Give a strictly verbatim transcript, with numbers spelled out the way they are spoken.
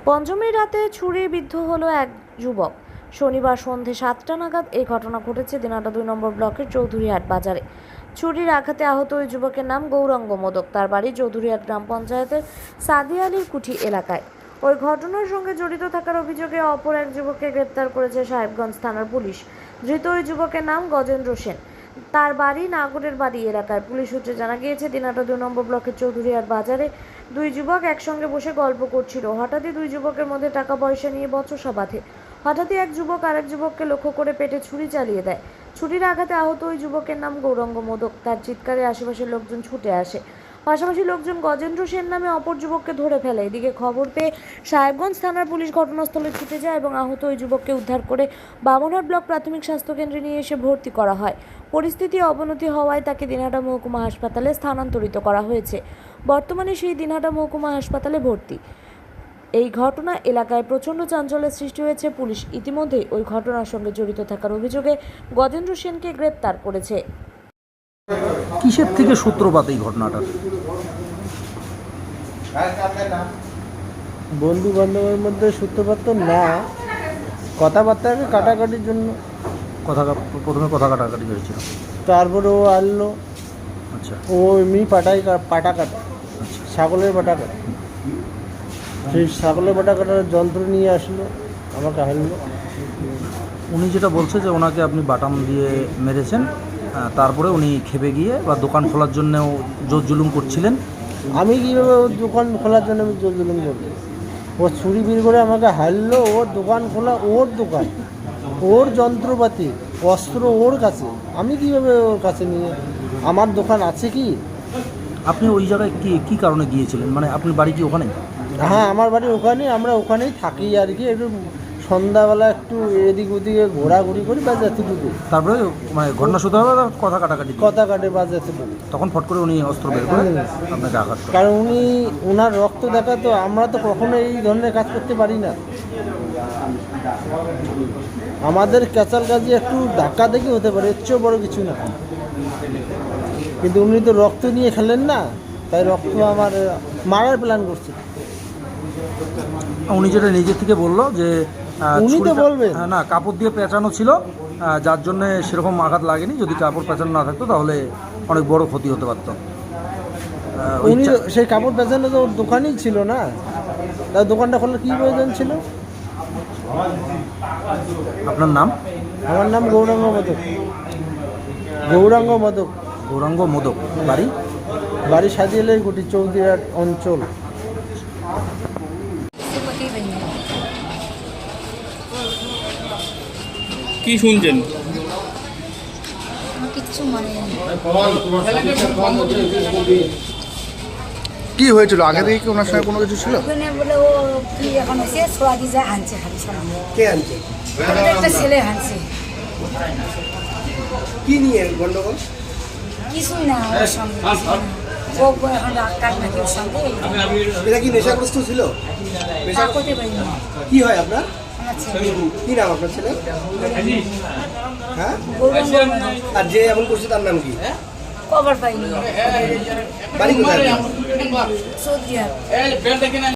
পঞ্চমীর রাতে ছুরি বিদ্ধ হলো এক যুবক। শনিবার সন্ধে সাতটা নাগাদ এই ঘটনা ঘটেছে দিনাটা দুই নম্বর ব্লকের চৌধুরীহাট বাজারে। ছুরির আঘাতে আহত ওই যুবকের নাম গৌরাঙ্গ মোদক। তার বাড়ি চৌধুরীহাট গ্রাম পঞ্চায়েতের সাদি আলীর কুঠি এলাকায়। ওই ঘটনার সঙ্গে জড়িত থাকার অভিযোগে অপর এক যুবককে গ্রেপ্তার করেছে সাহেবগঞ্জ থানার পুলিশ। ধৃত ওই যুবকের নাম গজেন্দ্র সেন। তার বাড়ি নাগরের বাড়ি এলাকায়। পুলিশ সূত্রে জানা গিয়েছে দিনাটা দুই নম্বর ব্লকের চৌধুরীহাট বাজারে দুই যুবক একসঙ্গে বসে গল্প করছিল। হঠাৎই দুই যুবকের মধ্যে টাকা পয়সা নিয়ে বচসা বাঁধে। হঠাৎই এক যুবক আরেক যুবককে লক্ষ্য করে পেটে ছুরি চালিয়ে দেয়। ছুরির আঘাতে আহত ওই যুবকের নাম গৌরাঙ্গ মোদক। তার চিৎকারে আশেপাশের লোকজন ছুটে আসে। পাশাপাশি লোকজন গজেন্দ্র সেন নামে অপর যুবককে ধরে ফেলে। এদিকে খবর পেয়ে সাহেবগঞ্জ থানার পুলিশ ঘটনাস্থলে ছুটে যায় এবং আহত ওই যুবককে উদ্ধার করে বামনহাট ব্লক প্রাথমিক স্বাস্থ্যকেন্দ্রে নিয়ে এসে ভর্তি করা হয়। পরিস্থিতি অবনতি হওয়ায় তাকে দিনহাটা মহকুমা হাসপাতালে স্থানান্তরিত করা হয়েছে। বর্তমানে সেই দিনহাটা মহকুমা হাসপাতালে ভর্তি। এই ঘটনা এলাকায় প্রচণ্ড চাঞ্চল্যের সৃষ্টি হয়েছে। পুলিশ ইতিমধ্যেই ওই ঘটনার সঙ্গে জড়িত থাকার অভিযোগে গজেন্দ্র সেনকে গ্রেপ্তার করেছে। কিসের থেকে সূত্রপাত এই ঘটনাটার? বন্ধু বান্ধবের মধ্যে সূত্রপাত তো না, কথাবার্তাকে কাটাকাটির জন্য। কথা প্রথমে কথা কাটাকাটি হয়েছিল, তারপরে ও আনলো। আচ্ছা, ও এমনি পাটাই পাটা কাটা, আচ্ছা, ছাগলের পাটা কাটা। সেই ছাগলের পাটা কাটার যন্ত্র নিয়ে আসলো, আমাকে হারলো। উনি যেটা বলছে যে ওনাকে আপনি বাটাম দিয়ে মেরেছেন, তারপরে উনি খেপে গিয়ে বা দোকান খোলার জন্যও জোর জুলুম করছিলেন। আমি কীভাবে ওর দোকান খোলার জন্য আমি জোর জুলুম করবো? ও ছুরি বের করে আমাকে হারলো। ওর দোকান খোলা, ওর দোকান, ওর যন্ত্রপাতি, অস্ত্র ওর কাছে। আমি কীভাবে ওর কাছে নিয়ে, আমার দোকান আছে কি? আপনি ওই জায়গায় কি কী কারণে গিয়েছিলেন? মানে আপনি বাড়ি কি ওখানে? হ্যাঁ, আমার বাড়ি ওখানে, আমরা ওখানেই থাকি আর কি। একটু সন্ধ্যাবেলা একটু এদিক ওদিকে ঘোরাঘুরি করি বা এতটুকু। তারপরে মানে ঘটনা শুরু হবে, কথা কাটাকাটি কথা কাটে বা এতটুকু। তখন ফট করে উনি অস্ত্র বের করে আপনাকে আঘাত করেন। কারণ উনি ওনার রক্ত দেখা তো, আমরা তো কখনো এই ধরনের কাজ করতে পারি না। আমাদের ক্যাচাল কাজে একটু ধাক্কা দেখি হতে পারে, এর চেয়েও বড় কিছু না। কিন্তু উনি তো রক্ত নিয়ে খেলেন না, তাই রক্ত আমার মারার প্ল্যান করছে। উনি যেটা নিজে থেকে বললো যে উনি তো বলবেন না, কাপড় দিয়ে পেঁচানো ছিল, যার জন্য সেরকম আঘাত লাগেনি। যদি কাপড় পেঁচানো না থাকতো তাহলে অনেক বড় ক্ষতি হতে পারত। উনি সেই কাপড় পেঁচানো তো ওর দোকানেই ছিল না, তার দোকানটা খোলার কী প্রয়োজন ছিল? আপনার নাম? আমার নাম গৌরাঙ্গ মোদক। গৌরাঙ্গ মোদক। গৌরাঙ্গ মোদক। বাড়ি? বাড়ি সাদিয়ালের গুটি, চৌধুরীহাট অঞ্চল। কি শুনছেন? কিচ্ছু মনে নেই। কি হয়েছিল আগে থেকে কি ওনার সঙ্গে কোনো কিছু ছিল? ওখানে বলে ও কি এখন এসে ছোড়া দিয়ে যায় আনছে, খালি ছোড়া কে আনছে? একটা ছেলে আনছে। কি নিয়ে গন্ডগোল? কিছুই না, ওর সঙ্গে কিছুই না। ও এখন ডাক্তার নাকি ওর সঙ্গে। এটা কি নেশাগ্রস্ত ছিল? তা করতে পারি না। কি হয় আপনার? আমার ছেলে কি নাম আপনার ছেলে? হ্যাঁ, গৌরাঙ্গ মোদক। আর যে এমন করছে তার নাম কি? খবর পাইনি। বাড়ি কোথায়? চৌধুরীহাট।